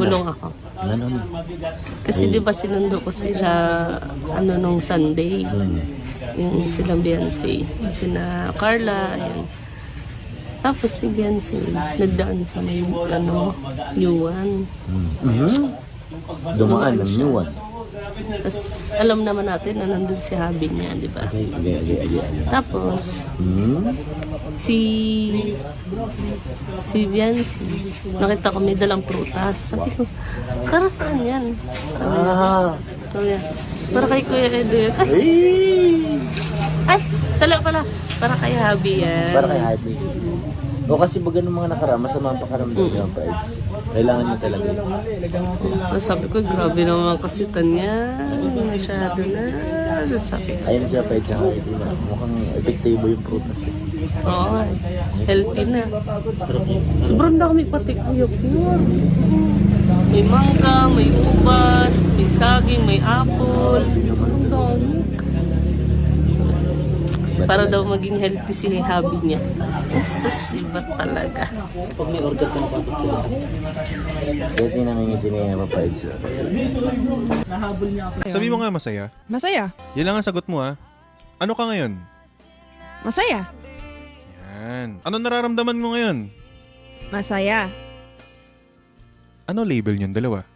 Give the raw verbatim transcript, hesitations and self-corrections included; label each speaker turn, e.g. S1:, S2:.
S1: Bulong ako.
S2: Ganun.
S1: Kasi di ba sinundo ko sila ano nung Sunday.
S2: Hmm.
S1: Yung silang Beyonce. Sina Carla, yan. Tapos si Beyonce, nagdaan sa may ano, Yuan.
S2: Hmm. Mhm. Dumaan ng Yuan.
S1: Tapos alam naman natin na nandun si Habi niya, di ba?
S2: Okay, okay, okay, okay, okay.
S1: Tapos,
S2: Hmm?
S1: si si Beyonce, nakita ko may dalang prutas. Sabi ko, para saan yan?
S2: Ah!
S1: Sabi niya, para kay Kuya Edo yan. Ay,
S2: Ay!
S1: ay, sala pala. Para kay Habi yan.
S2: Para kay Happy. O kasi baga ng mga nakarama, masama ang pakaramdam niya pa. Kailangan niya talaga.
S1: Tapos sabi ko, grabe naman kasi tanya. Masyado na. Sabi ko,
S2: Ayun siya pa sa Happy na. Mukhang epektibo yung prutas.
S1: oo, healthy na. Sobrang dami pati kuya pure. May mangga, may ubas, may saging, may apple. Sobrang dami. Para daw maging healthy si Habi niya. Sus, iba talaga.
S2: Pag may order ka na patot sila. Dati namingiti niya yung papaid siya.
S3: Sabi mo nga masaya.
S4: Masaya.
S3: Yan lang ang sagot mo ha. Ano ka ngayon?
S4: Masaya.
S3: Yan. Ano nararamdaman mo ngayon?
S4: Masaya.
S3: Ano label niyon dalawa?